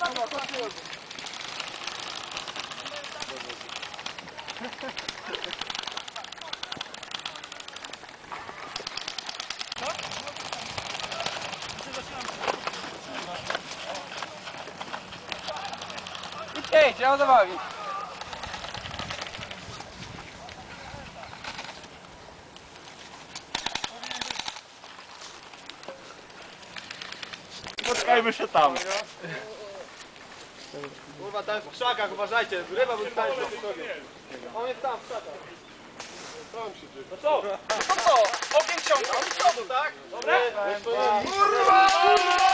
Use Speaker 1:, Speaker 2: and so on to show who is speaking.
Speaker 1: Ej, trzeba zabawić.
Speaker 2: Spotkajmy się tam.
Speaker 3: Kurwa, tam jest w krzakach, uważajcie, ryba był tam. On jest tam w krzakach. No co?
Speaker 1: No co? Ogień ciągnął.
Speaker 3: Tak?
Speaker 1: Dobra?
Speaker 3: Kurwa!